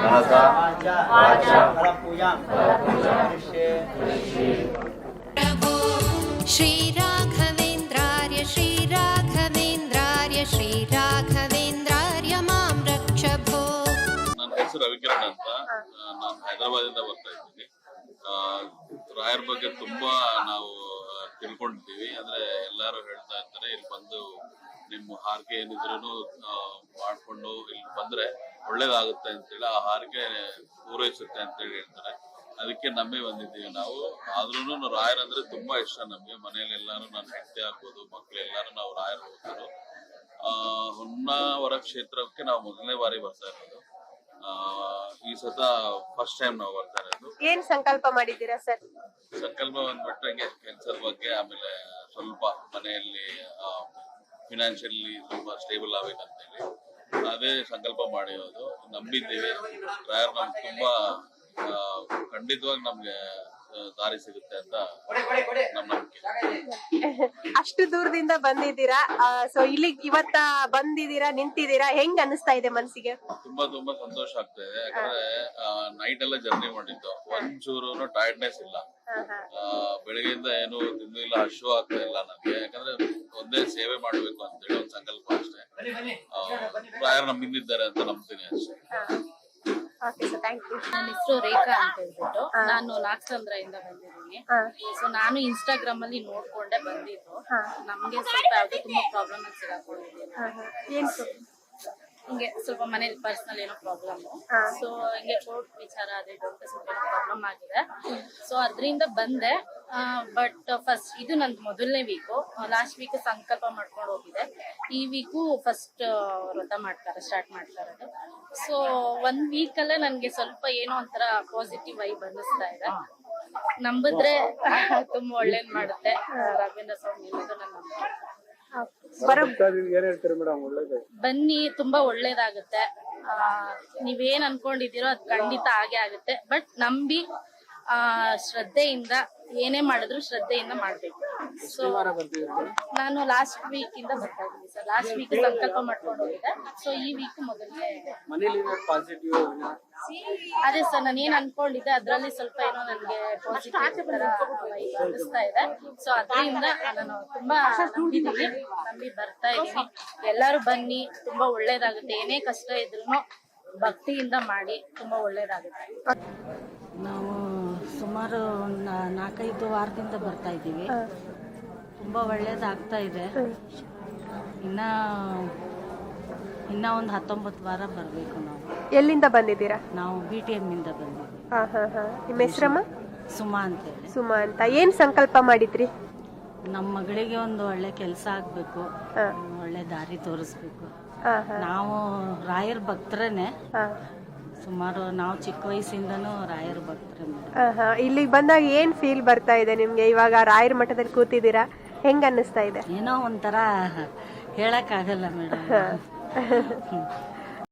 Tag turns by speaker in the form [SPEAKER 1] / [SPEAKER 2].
[SPEAKER 1] मनसा वाचा
[SPEAKER 2] प्रभो श्रीराघवेन्द्रार्य श्रीराघवेन्द्रार्य मां रक्ष भो।
[SPEAKER 3] ನನ್ನ ಹೆಸರು ರವಿಕಿರಣ್ ಅಂತ. ನಾನು ಹೈದರಾಬಾದಿಂದ ಬರ್ತಾ ಇದ್ದೀನಿ. ರಾಯರ ಬಗ್ಗೆ ತುಂಬಾ ನಾವು ತಿಳ್ಕೊಂಡಿದ್ದೀವಿ. ಅಂದ್ರೆ ಎಲ್ಲರೂ ಹೇಳ್ತಾ ಇರ್ತಾರೆ ಇಲ್ಲಿ ಬಂದು ನಿಮ್ಮ ಹಾರಕೆ ಏನಿದ್ರು ಮಾಡ್ಕೊಂಡು ಇಲ್ಲಿ ಬಂದ್ರೆ ಒಳ್ಳೇದಾಗುತ್ತೆ ಅಂತೇಳಿ, ಆ ಹಾರಕೆ ಪೂರೈಸುತ್ತೆ ಅಂತೇಳಿ ಹೇಳ್ತಾರೆ. ಅದಕ್ಕೆ ನಂಬಿ ಬಂದಿದ್ದೀವಿ ನಾವು. ಆದ್ರೂ ರಾಯರ್ ಅಂದ್ರೆ ತುಂಬಾ ಇಷ್ಟ ನಮ್ಗೆ. ಮನೇಲಿ ಎಲ್ಲಾರು ನನ್ನ ಹೆಂಡತಿ ಆಗ್ಬೋದು, ಮಕ್ಳು ಎಲ್ಲಾರು ನಾವು ರಾಯರ್ ಹೋಗ್ತಾರೆ. ಹೊನ್ನಾವರ ಕ್ಷೇತ್ರಕ್ಕೆ ನಾವು ಮೊದಲನೇ ಬಾರಿ ಬರ್ತಾ ಇರೋದು. ಈ ಸತ ಫಸ್ಟ್ ಟೈಮ್ ನಾವು ಬರ್ತಾ ಇರೋದು.
[SPEAKER 4] ಏನ್ ಸಂಕಲ್ಪ ಮಾಡಿದ್ದೀರಾ ಸರ್?
[SPEAKER 3] ಸಂಕಲ್ಪ ಬಂದ್ಬಿಟ್ಟು ಹಂಗೆ ಕೆಲ್ಸದ ಬಗ್ಗೆ, ಆಮೇಲೆ ಸ್ವಲ್ಪ ಮನೆಯಲ್ಲಿ ಫಿನಾನ್ಷಿಯಲಿ ಸ್ವಲ್ಪ ಸ್ಟೇಬಲ್ ಆಗ್ಬೇಕಂತೇಳಿ ಅದೇ ಸಂಕಲ್ಪ ಮಾಡಿರೋದು. ನಂಬಿದ್ದೀವಿ ರಾಯರ್ ನಮ್ಗೆ ತುಂಬಾ ಖಂಡಿತವಾಗಿ ನಮ್ಗೆ ದಾರಿ ಸಿಗುತ್ತೆ ಅಂತ ನಮ್ಮ ನಂಬಿಕೆ.
[SPEAKER 4] ಅಷ್ಟು ದೂರದಿಂದ ಬಂದಿದ್ದೀರಾ, ಸೊ ಇಲ್ಲಿ ಇವತ್ತ ಬಂದಿದ್ದೀರಾ, ನಿಂತಿದ್ದೀರಾ, ಹೆಂಗ್ ಅನಿಸ್ತಾ ಇದೆ ಮನ್ಸಿಗೆ?
[SPEAKER 3] ತುಂಬಾ ತುಂಬಾ ಸಂತೋಷ ಆಗ್ತಾ ಇದೆ. ಯಾಕಂದ್ರೆ ನೈಟ್ ಎಲ್ಲ ಜರ್ನಿ ಮಾಡಿದ್ದು, ಒಂಚೂರು ಟೈರ್ಡ್ನೆಸ್ ಇಲ್ಲ. ಬೆಳಗ್ಗೆಯಿಂದ ಏನು ತಿಂದು ಇಲ್ಲ, ಹಶು ಆಗ್ತಾ ಇಲ್ಲ ನಮ್ಗೆ. ಯಾಕಂದ್ರೆ ಒಂದೇ ಸೇವೆ ಮಾಡ್ಬೇಕು ಅಂತೇಳಿ ಒಂದ್ ಸಂಕಲ್ಪ ಅಷ್ಟೇ. ರಾಯರ್ ನಮ್ಮಿಂದಿದ್ದಾರೆ ಅಂತ ನಂಬ್ತೀನಿ ಅಷ್ಟೇ.
[SPEAKER 5] ನನ್ನ ಹೆಸರು ರೇಖಾ ಅಂತ ಹೇಳ್ಬಿಟ್ಟು, ನಾನು ನಾಗಸಂದ್ರದಿಂದ ಬಂದಿದ್ದೀನಿ. ಸೊ ನಾನು ಇನ್ಸ್ಟಾಗ್ರಾಮ್ ಅಲ್ಲಿ ನೋಡ್ಕೊಂಡೆ ಬಂದಿದ್ದು. ನಮ್ಗೆ ಸ್ವಲ್ಪ ಯಾವ್ದು ತುಂಬಾ ಪ್ರಾಬ್ಲಮ್ ಅಲ್ಲಿ ಸಿಗಾಕೊಂಡಿದ್ದೀನಿ. ಹಿಂಗೆ ಸ್ವಲ್ಪ ಮನೇಲಿ ಪರ್ಸನಲ್ ಏನೋ ಪ್ರಾಬ್ಲಮ್, ಸೊ ಹಿಂಗೆ ಕೋರ್ಟ್ ವಿಚಾರ ಅದೇ ದೊಡ್ಡ ಸ್ವಲ್ಪ ಪ್ರಾಬ್ಲಮ್ ಆಗಿದೆ. ಸೊ ಅದರಿಂದ ಬಂದೆ. ಬಟ್ ಫಸ್ಟ್ ಇದು ನಂದು ಮೊದಲನೇ ವೀಕು. ಲಾಸ್ಟ್ ವೀಕ್ ಸಂಕಲ್ಪ ಮಾಡ್ಕೊಂಡು ಹೋಗಿದೆ. ಈ ವೀಕು ಫಸ್ಟ್ ವ್ರತ ಸ್ಟಾರ್ಟ್ ಮಾಡ್ತಾ ಇರೋದು. ಸೊ 1 ವೀಕಲ್ಲೇ ನನಗೆ ಸ್ವಲ್ಪ ಏನೋ ಒಂಥರ ಪಾಸಿಟಿವ್ ವೈಬ್ ಅನ್ನಿಸ್ತಾ ಇದೆ. ನಂಬಿದ್ರೆ ತುಂಬಾ ಒಳ್ಳೇದ್ ಮಾಡುತ್ತೆ ರಾಘವೇಂದ್ರ ಸ್ವಾಮಿ ಅನ್ನೋದು ನನ್ನ ನಂಬಿಕೆ. ಬನ್ನಿ, ತುಂಬಾ ಒಳ್ಳೇದಾಗುತ್ತೆ. ನೀವೇನ್ ಅನ್ಕೊಂಡಿದ್ದೀರೋ ಅದ್ ಖಂಡಿತ ಆಗೇ ಆಗುತ್ತೆ. ಬಟ್ ನಂಬಿ ಶ್ರದ್ಧೆಯಿಂದ ಏನೇ ಮಾಡಿದ್ರು ಶ್ರದ್ಧೆಯಿಂದ ಮಾಡ್ಬೇಕು. ಸೊ ನಾನು ಲಾಸ್ಟ್ ವೀಕ್ ಇಂದ ಬರ್ತಾ ಇದ್ದೀನಿ ಸರ್. ಲಾಸ್ಟ್ ವೀಕ್ ಸಂಕಲ್ಪ ಮಾಡ್ಕೊಂಡು ಹೋಗಿದೆ. ಸೊ ಈ ವೀಕ್ ಮೊದಲನೇ ಅದೇ ಸರ್, ನಾನು ಏನ್ ಅನ್ಕೊಂಡಿದ್ದೆ ಅದ್ರಲ್ಲಿ ಸ್ವಲ್ಪ ಏನೋ ನನ್ಗೆ ಪಾಸಿಟಿವ್ ತರ ಅನಿಸ್ತಾ ಇದೆ. ಸೊ ಅದರಿಂದ ನಾನು ತುಂಬಾ ನಂಬಿ ಬರ್ತಾ ಇದ್ದೀನಿ. ಎಲ್ಲರೂ ಬನ್ನಿ, ತುಂಬಾ ಒಳ್ಳೇದಾಗುತ್ತೆ. ಏನೇ ಕಷ್ಟ ಇದ್ರು ಭಕ್ತಿಯಿಂದ ಮಾಡಿ, ತುಂಬಾ ಒಳ್ಳೇದಾಗುತ್ತೆ.
[SPEAKER 6] ನಾವು ಸುಮಾರು 4-5 ವಾರದಿಂದ ಬರ್ತಾ ಇದ್ದೀವಿ. ತುಂಬ ಒಳ್ಳೇದಾಗ್ತಾ ಇದೆ. ಇನ್ನ ಒಂದು 19 ವಾರ ಬರಬೇಕು ನಾವು.
[SPEAKER 4] ಎಲ್ಲಿಂದ ಬಂದಿದ್ದೀರಾ?
[SPEAKER 6] ನಾವು BTM ಇಂದ ಬಂದಿದ್ದೀವಿ.
[SPEAKER 4] ನಿಮ್ಮ ಹೆಸರಮ್ಮ?
[SPEAKER 6] ಸುಮಾ ಅಂತೇಳಿ.
[SPEAKER 4] ಸುಮಾ ಅಂತ. ಏನ್ ಸಂಕಲ್ಪ ಮಾಡಿದ್ರಿ?
[SPEAKER 6] ನಮ್ಮ ಮಗಳಿಗೆ ಒಂದು ಒಳ್ಳೆ ಕೆಲಸ ಆಗಬೇಕು, ಒಳ್ಳೆ ದಾರಿ ತೋರಿಸ್ಬೇಕು. ನಾವು ರಾಯರ್ ಭಕ್ತರೇನೆ. ಸುಮಾರು ನಾವು ಚಿಕ್ಕ ವಯಸ್ಸಿಂದನೂ ರಾಯರ ಭಕ್ತರೇ.
[SPEAKER 4] ಇಲ್ಲಿಗೆ ಬಂದಾಗ ಏನ್ ಫೀಲ್ ಬರ್ತಾ ಇದೆ ನಿಮ್ಗೆ? ಇವಾಗ ರಾಯರ ಮಠದಲ್ಲಿ ಕೂತಿದ್ದೀರಾ, ಹೆಂಗ್ ಅನ್ನಿಸ್ತಾ ಇದೆ?
[SPEAKER 6] ಏನೋ ಒಂಥರ ಹೇಳಕ್ ಆಗಲ್ಲ ಮೇಡಮ್.